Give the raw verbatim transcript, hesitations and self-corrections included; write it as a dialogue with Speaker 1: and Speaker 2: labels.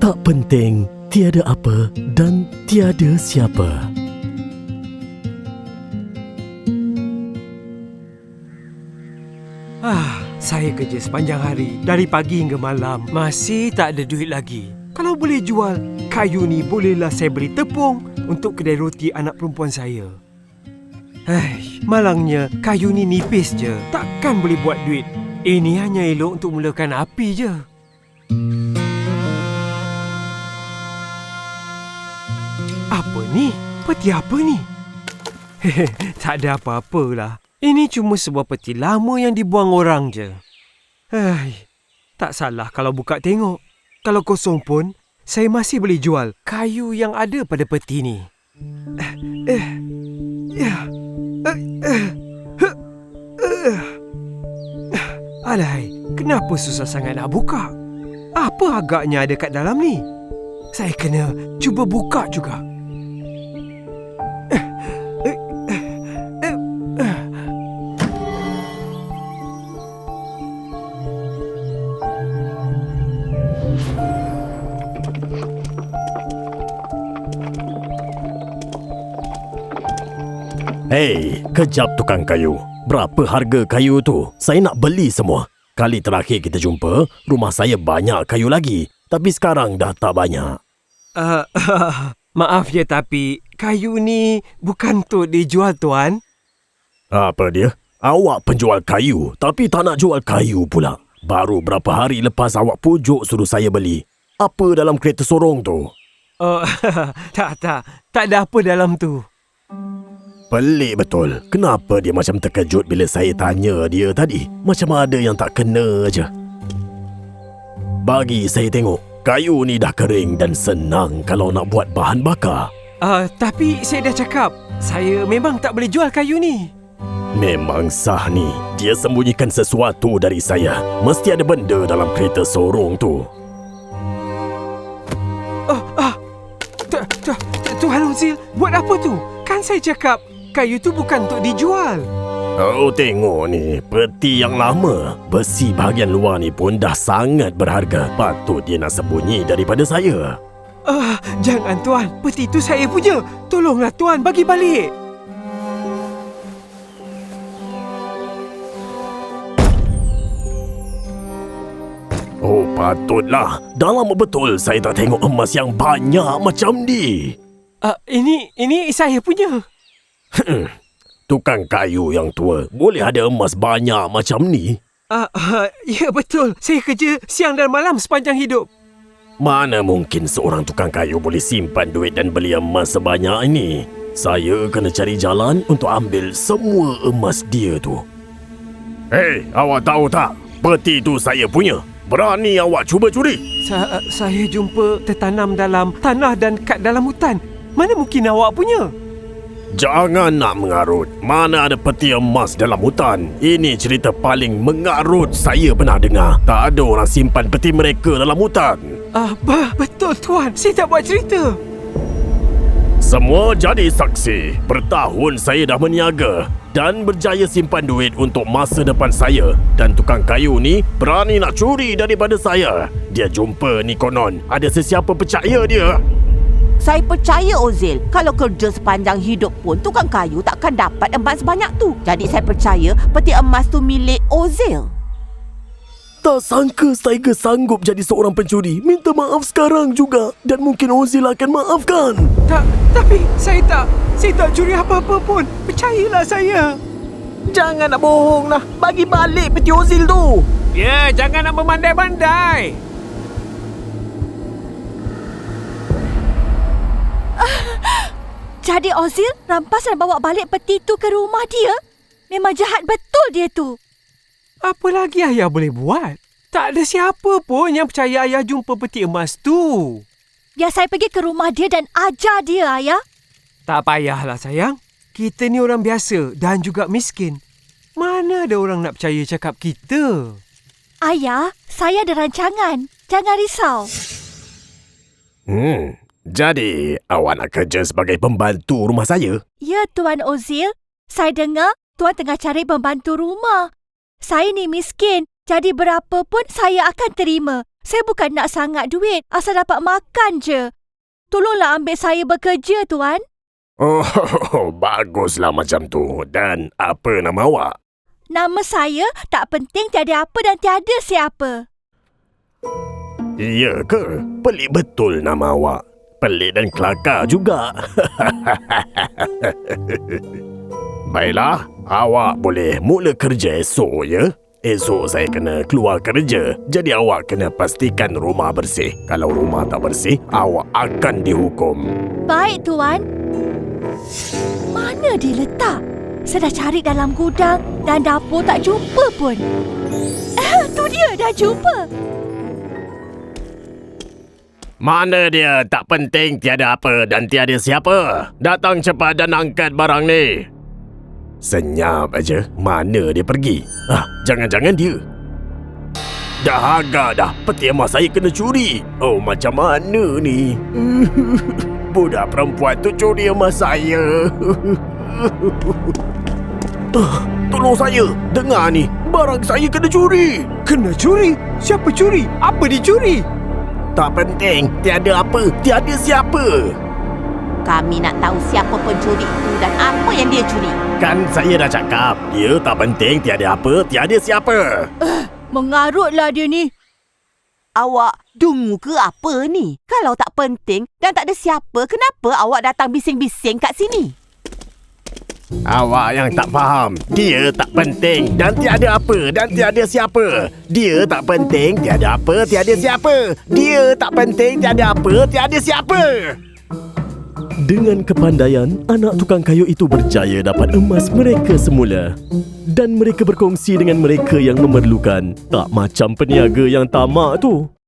Speaker 1: Tak penting, tiada apa dan tiada siapa.
Speaker 2: Ah, saya kerja sepanjang hari, dari pagi hingga malam. Masih tak ada duit lagi. Kalau boleh jual kayu ni, bolehlah saya beli tepung untuk kedai roti anak perempuan saya. Hai, malangnya kayu ni nipis je. Takkan boleh buat duit. Ini hanya elok untuk mulakan api je. Apa ni? Peti apa ni? Tak ada apa-apalah. Ini cuma sebuah peti lama yang dibuang orang je. Hai, tak salah kalau buka tengok. Kalau kosong pun, saya masih boleh jual kayu yang ada pada peti ni. Eh, eh, ya, eh, eh, eh, eh. Alahai, kenapa susah sangat nak buka? Apa agaknya ada kat dalam ni? Saya kena cuba buka juga.
Speaker 1: Hei, kejap tukang kayu. Berapa harga kayu tu? Saya nak beli semua. Kali terakhir kita jumpa, rumah saya banyak kayu lagi. Tapi sekarang dah tak banyak.
Speaker 2: Uh, uh, maaf ya, tapi kayu ni bukan untuk dijual, Tuan.
Speaker 1: Apa dia? Awak penjual kayu, tapi tak nak jual kayu pula. Baru berapa hari lepas awak pujuk suruh saya beli. Apa dalam kereta sorong tu?
Speaker 2: Oh, tak, tak. Tak ada apa dalam tu.
Speaker 1: Pelik betul. Kenapa dia macam terkejut bila saya tanya dia tadi? Macam ada yang tak kena aja. Bagi saya tengok. Kayu ni dah kering dan senang kalau nak buat bahan bakar.
Speaker 2: Uh, tapi saya dah cakap, saya memang tak boleh jual kayu ni.
Speaker 1: Memang sah ni. Dia sembunyikan sesuatu dari saya. Mesti ada benda dalam kereta sorong tu.
Speaker 2: Oh, ah. Tu- tu- Tuan Ozil, buat apa tu? Kan saya cakap, kayu tu bukan untuk dijual.
Speaker 1: Oh, tengok ni. Peti yang lama. Besi bahagian luar ni pun dah sangat berharga. Patut dia nak sembunyi daripada saya.
Speaker 2: Ah, jangan Tuan. Peti tu saya punya. Tolonglah Tuan, bagi balik.
Speaker 1: Oh, patutlah. Dah lama betul saya tak tengok emas yang banyak macam ni.
Speaker 2: Ah, ini, ini saya punya.
Speaker 1: Tukang kayu yang tua, boleh ada emas banyak macam ni?
Speaker 2: Ah, uh, ya betul. Saya kerja siang dan malam sepanjang hidup.
Speaker 1: Mana mungkin seorang tukang kayu boleh simpan duit dan beli emas sebanyak ini? Saya kena cari jalan untuk ambil semua emas dia tu. Hei, awak tahu tak? Peti tu saya punya. Berani awak cuba curi?
Speaker 2: Sa- saya jumpa tertanam dalam tanah dan kat dalam hutan. Mana mungkin awak punya?
Speaker 1: Jangan nak mengarut. Mana ada peti emas dalam hutan? Ini cerita paling mengarut saya pernah dengar. Tak ada orang simpan peti mereka dalam hutan.
Speaker 2: Apa? Betul Tuan. Saya tak buat cerita.
Speaker 1: Semua jadi saksi. Bertahun saya dah berniaga dan berjaya simpan duit untuk masa depan saya. Dan tukang kayu ni berani nak curi daripada saya. Dia jumpa ni konon. Ada sesiapa percaya dia?
Speaker 3: Saya percaya Ozil, kalau kerja sepanjang hidup pun tukang kayu takkan dapat emas sebanyak tu. Jadi saya percaya peti emas tu milik Ozil.
Speaker 1: Tak sangka Tiger sanggup jadi seorang pencuri. Minta maaf sekarang juga. Dan mungkin Ozil akan maafkan.
Speaker 2: Tak, tapi saya tak, saya tak curi apa-apa pun. Percayalah saya.
Speaker 4: Jangan nak bohong lah. Bagi balik peti Ozil tu.
Speaker 2: Ya, jangan nak memandai-bandai.
Speaker 5: Jadi Ozil rampas dan bawa balik peti tu ke rumah dia? Memang jahat betul dia tu.
Speaker 2: Apa lagi ayah boleh buat? Tak ada siapa pun yang percaya ayah jumpa peti emas tu.
Speaker 5: Biar saya pergi ke rumah dia dan ajar dia, ayah.
Speaker 2: Tak payahlah sayang. Kita ni orang biasa dan juga miskin. Mana ada orang nak percaya cakap kita?
Speaker 5: Ayah, saya ada rancangan. Jangan risau.
Speaker 1: Hmm, jadi awak nak kerja sebagai pembantu rumah saya?
Speaker 5: Ya, Tuan Ozil. Saya dengar Tuan tengah cari pembantu rumah. Saya ni miskin, jadi berapa pun saya akan terima. Saya bukan nak sangat duit, asal dapat makan je. Tolonglah ambil saya bekerja, Tuan.
Speaker 1: Oh, baguslah macam tu. Dan apa nama awak?
Speaker 5: Nama saya tak penting, tiada apa dan tiada siapa.
Speaker 1: Ya ke? Pelik betul nama awak. Pelik dan kelakar juga. Baiklah, awak boleh mula kerja esok ya. Esok saya kena keluar kerja. Jadi awak kena pastikan rumah bersih. Kalau rumah tak bersih, awak akan dihukum.
Speaker 5: Baik, Tuan. Mana dia letak? Saya dah cari dalam gudang dan dapur tak jumpa pun. Eh, tu dia dah jumpa.
Speaker 1: Mana dia? Tak penting, tiada apa dan tiada siapa. Datang cepat dan angkat barang ni. Senyap aja. Mana dia pergi? Ah, jangan-jangan dia. Dah agak dah. Peti emas saya kena curi. Oh, macam mana ni? Budak perempuan tu curi emas saya. Ah, tolong saya. Dengar ni. Barang saya kena curi.
Speaker 2: Kena curi? Siapa curi? Apa dicuri?
Speaker 1: Tak penting. Tiada apa. Tiada siapa.
Speaker 3: Kami nak tahu siapa pencuri itu dan apa yang dia curi.
Speaker 1: Kan saya dah cakap. Dia tak penting. Tiada apa. Tiada siapa.
Speaker 5: Uh, mengarutlah dia ni.
Speaker 3: Awak dungu ke apa ni? Kalau tak penting dan tak ada siapa, kenapa awak datang bising-bising kat sini?
Speaker 1: Awak yang tak faham. Dia tak penting dan tiada apa dan tiada siapa. Dia tak penting, tiada apa, tiada siapa. Dia tak penting, tiada apa, tiada siapa. Dengan kepandaian, anak tukang kayu itu berjaya dapat emas mereka semula. Dan mereka berkongsi dengan mereka yang memerlukan. Tak macam peniaga yang tamak tu.